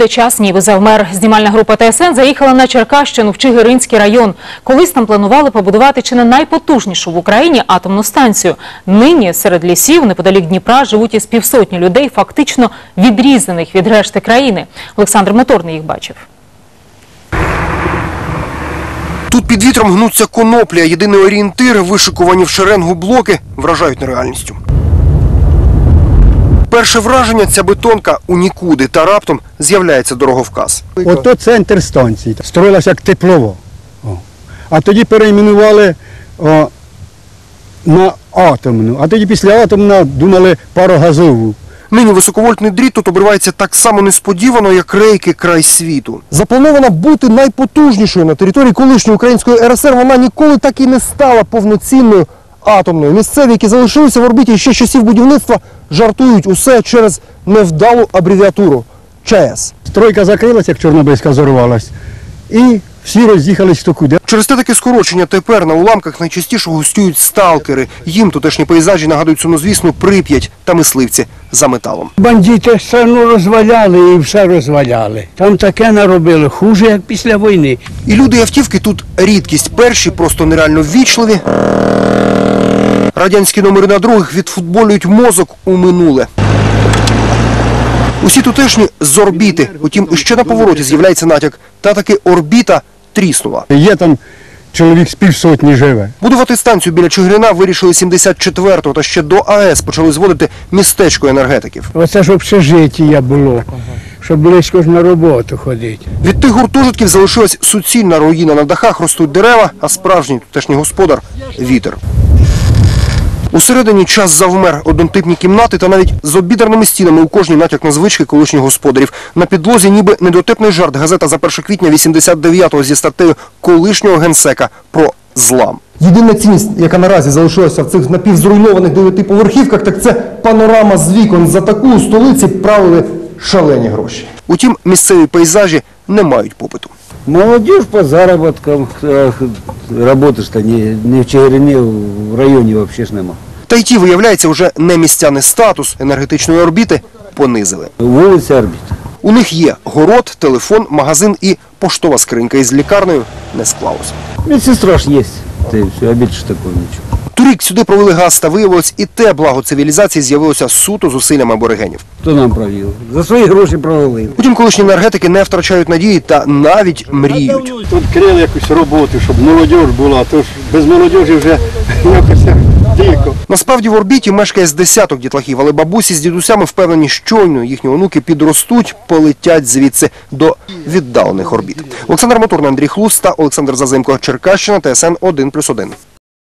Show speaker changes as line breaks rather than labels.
де час ніби завмер. Знімальна група ТСН заїхала на Черкащину в Чигиринський район. Колись там планували побудувати чи не найпотужнішу в Україні атомну станцію. Нині серед лісів неподалік Дніпра живуть із півсотні людей, фактично відрізаних від решти країни. Олександр Моторний їх бачив.
Тут під вітром гнуться коноплі, а єдиний орієнтир, вишикувані в шеренгу блоки, вражають нереальністю. Перше враження – ця бетонка у нікуди, та раптом з'являється дороговказ.
Ото центр станції. Строїлася як теплово. А тоді перейменували на атомну. А тоді після атомна думали парогазову.
Нині високовольтний дріт тут обривається так само несподівано, як рейки край світу. Запланована бути найпотужнішою на території колишньої української РСР, вона ніколи так і не стала повноцінною атомною. Місцеві, які залишилися в орбіті ще з часів будівництва, жартують усе через невдалу абревіатуру – ЧАЕС.
Стройка закрилася, як Чорнобильська зорвалась, і всі роз'їхались хто куди.
Через те таке скорочення тепер на уламках найчастіше гостюють сталкери. Їм тутешні пейзажі нагадують сумнозвісну Прип'ять та мисливці за металом.
Бандити страну розваляли і все розваляли. Там таке наробили, хуже, як після війни.
І люди і автівки тут рідкість. Перші просто нереально ввічливі. Радянські номери на других відфутболюють мозок у минуле. Усі тутешні з орбіти. Утім, ще на повороті з'являється натяк. Та таки орбіта тріснула.
Є там чоловік з півсотні живе.
Будувати станцію біля Чигирина вирішили 74-го, та ще до АЕС почали зводити містечко енергетиків.
Оце ж общежиття було, щоб близько ж на роботу ходити.
Від тих гуртожитків залишилась суцільна руїна. На дахах ростуть дерева, а справжній тутешній господар – вітер. Усередині час завмер, однотипні кімнати та навіть з обідерними стінами у кожній натяк на звички колишніх господарів. На підлозі ніби недотепний жарт газета за 1 квітня 89-го зі статтею колишнього генсека про злам. Єдина цінність, яка наразі залишилася в цих напівзруйнованих 9-поверхівках, так це панорама з вікон. За таку у столиці правили шалені гроші. Утім, місцеві пейзажі не мають попиту.
Молодежь по заработкам, работаешь-то не в Чигирині, в районі взагалі ж нема.
Та й ті, виявляється, вже не містяний статус енергетичної орбіти понизили.
Вулиця Орбіт.
У них є город, телефон, магазин і поштова скринька. Із лікарнею не склалося.
Медсестра ж є, а більше такого нічого.
Торік сюди провели газ, та виявилось, і те благо цивілізації з'явилося суто зусиллями аборигенів.
Хто нам провів? За свої гроші провели.
Утім, колишні енергетики не втрачають надії та навіть мріють.
Тут крили якусь роботу, щоб молодь була, то ж без молодіжі вже якось дико.
Насправді в орбіті мешкає з десяток дітлахів, але бабусі з дідусями впевнені, щойно їхні онуки підростуть, полетять звідси до віддалених орбіт. Олександр Моторний, Андрій Хлус та Олександр Зазимко. Черкащина, ТСН 1+1.